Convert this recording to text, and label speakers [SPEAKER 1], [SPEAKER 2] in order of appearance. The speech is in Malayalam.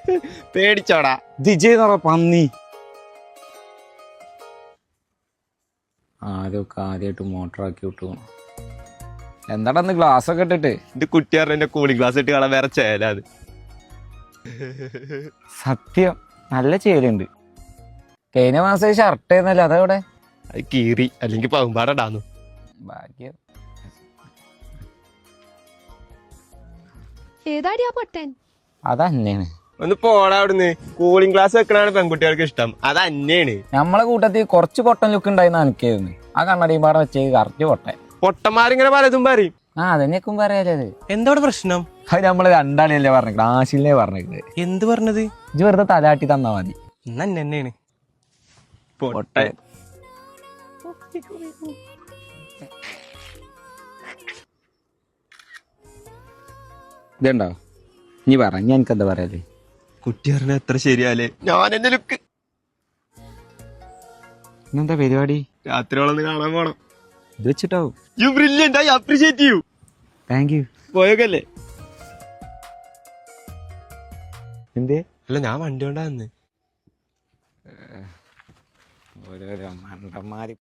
[SPEAKER 1] പേടിച്ചോടാ
[SPEAKER 2] ദിജയ് പന്നി. ആദ്യമായിട്ട് മോട്ടറാക്കി വിട്ടു. എന്താടാ ഗ്ലാസ് ഒക്കെ ഇട്ടിട്ട്?
[SPEAKER 1] എന്റെ കുട്ടിയാരുടെ കൂളിംഗ് ഗ്ലാസ് ഇട്ട് കാണാൻ വേറെ ചേല അത്.
[SPEAKER 2] സത്യം നല്ല ചേലുണ്ട്. കഴിഞ്ഞ മാസം ഷർട്ട് ആയിരുന്നല്ലോ, അതെവിടെ?
[SPEAKER 1] അത് കീറി, അല്ലെങ്കിൽ പകുമ്പാടാന്നു.
[SPEAKER 2] ഭാഗ്യം.
[SPEAKER 3] ഏതാടിയാ പൊട്ടൻ?
[SPEAKER 2] അതന്നെയാണ്.
[SPEAKER 1] ഒന്ന് പോടാ അവിടുന്ന്. കൂളിംഗ് ഗ്ലാസ് വെക്കണാണ് പെൺകുട്ടികൾക്ക് ഇഷ്ടം, അത് അന്നെയാണ്.
[SPEAKER 2] നമ്മളെ കൂട്ടത്തിൽ കുറച്ച് പൊട്ടൻ ലുക്ക് ഉണ്ടായിരുന്നു എനിക്കായിരുന്നു. ആ കണ്ണടിയും പാടെ വെച്ച് കറക്റ്റ് പൊട്ടൻ.
[SPEAKER 1] പൊട്ടന്മാരിങ്ങനെ പലതും പറയും.
[SPEAKER 2] അതെന്നെക്കും പറയാലേ.
[SPEAKER 1] എന്താണ് പ്രശ്നം?
[SPEAKER 2] അത് നമ്മള് രണ്ടാളിയല്ലേ പറഞ്ഞത്, ആശിലിനെ പറഞ്ഞത്.
[SPEAKER 1] എന്ത് പറഞ്ഞത്?
[SPEAKER 2] ഇജ്ജ് വെറുതെ തലാട്ടി തന്നാ മതി.
[SPEAKER 1] എന്നെയാണ് പൊട്ടൻ.
[SPEAKER 2] ഇതുണ്ടോ? നീ പറ, ഞാൻ എനിക്കെന്താ പറയാലേ?
[SPEAKER 1] കുട്ടി പറഞ്ഞ എത്ര ശരിയാലേ. ഞാൻ എന്റെ ലുക്ക്
[SPEAKER 2] ഇന്നെന്താ പരിപാടി?
[SPEAKER 1] രാത്രിയോളൊന്ന് കാണാൻ പോണം.
[SPEAKER 2] ഇത് വെച്ചിട്ടാവും.
[SPEAKER 1] You brilliant, I appreciate you.
[SPEAKER 2] Thank you.
[SPEAKER 1] പോയൊക്കല്ലേ?
[SPEAKER 2] എന്തേ?
[SPEAKER 1] അല്ല, ഞാൻ വണ്ടി കൊണ്ടാ വന്ന്.
[SPEAKER 2] ഓരോരോ മണ്ടന്മാര്.